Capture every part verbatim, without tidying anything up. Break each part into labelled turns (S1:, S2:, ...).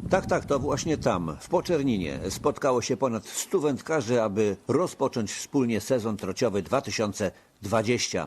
S1: Tak, tak, to właśnie tam, w Poczerninie, spotkało się ponad stu wędkarzy, aby rozpocząć wspólnie sezon trociowy dwa tysiące dwudziesty.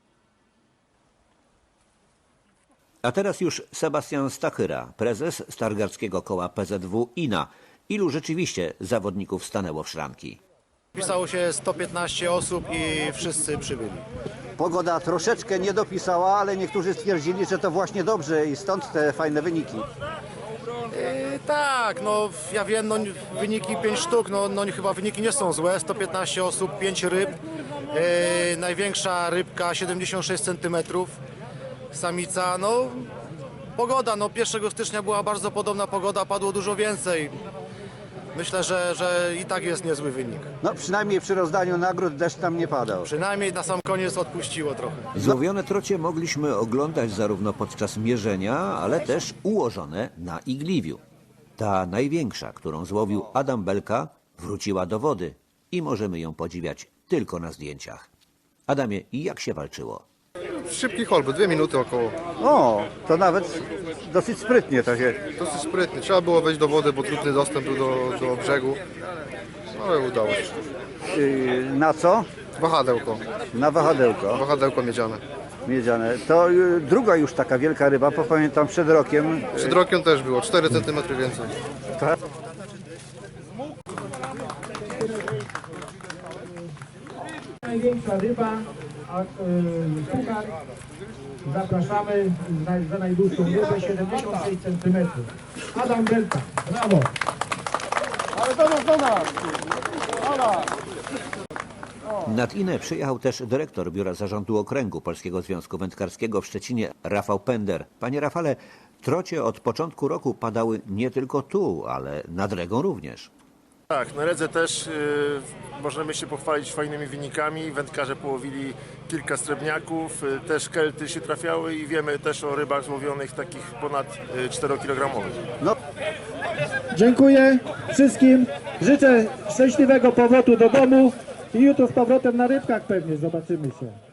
S1: A teraz już Sebastian Stachyra, prezes Stargardzkiego Koła P Z W I N A. Ilu rzeczywiście zawodników stanęło w szranki?
S2: Pisało się sto piętnaście osób i wszyscy przybyli.
S3: Pogoda troszeczkę nie dopisała, ale niektórzy stwierdzili, że to właśnie dobrze i stąd te fajne wyniki.
S2: Yy, tak, no ja wiem, no, wyniki pięć sztuk, no, no chyba wyniki nie są złe. sto piętnaście osób, pięć ryb. Yy, największa rybka siedemdziesiąt sześć centymetrów. Samica, no pogoda, no pierwszego stycznia była bardzo podobna pogoda, padło dużo więcej. Myślę, że, że i tak jest niezły wynik.
S3: No przynajmniej przy rozdaniu nagród deszcz tam nie padał.
S2: Przynajmniej na sam koniec odpuściło trochę.
S1: Złowione trocie mogliśmy oglądać zarówno podczas mierzenia, ale też ułożone na igliwiu. Ta największa, którą złowił Adam Belka, wróciła do wody i możemy ją podziwiać tylko na zdjęciach. Adamie, jak się walczyło?
S4: Szybki holby, dwie minuty około.
S3: O, to nawet dosyć sprytnie to się...
S4: Dosyć sprytny. Trzeba było wejść do wody, bo trudny dostęp był do, do brzegu. Ale udało się.
S3: Yy, na co?
S4: Wahadełko.
S3: Na wahadełko
S4: Wahadełko miedziane.
S3: miedziane. To yy, druga już taka wielka ryba, bo pamiętam przed rokiem.
S4: Przed rokiem też było, cztery centymetry więcej.
S3: Tak?
S5: Największa ryba, a y, puchar zapraszamy za, za najdłuższą rybę siedemdziesiąt sześć centymetrów. Adam Belka, brawo!
S1: Nad Inę przyjechał też dyrektor Biura Zarządu Okręgu Polskiego Związku Wędkarskiego w Szczecinie, Rafał Pender. Panie Rafale, trocie od początku roku padały nie tylko tu, ale nad Regą również.
S6: Tak, na Redze też y, możemy się pochwalić fajnymi wynikami. Wędkarze połowili kilka srebrniaków, y, też kelty się trafiały i wiemy też o rybach złowionych takich ponad y, czterokilogramowych.
S3: No.
S5: Dziękuję wszystkim, życzę szczęśliwego powrotu do domu i jutro z powrotem na rybkach pewnie zobaczymy się.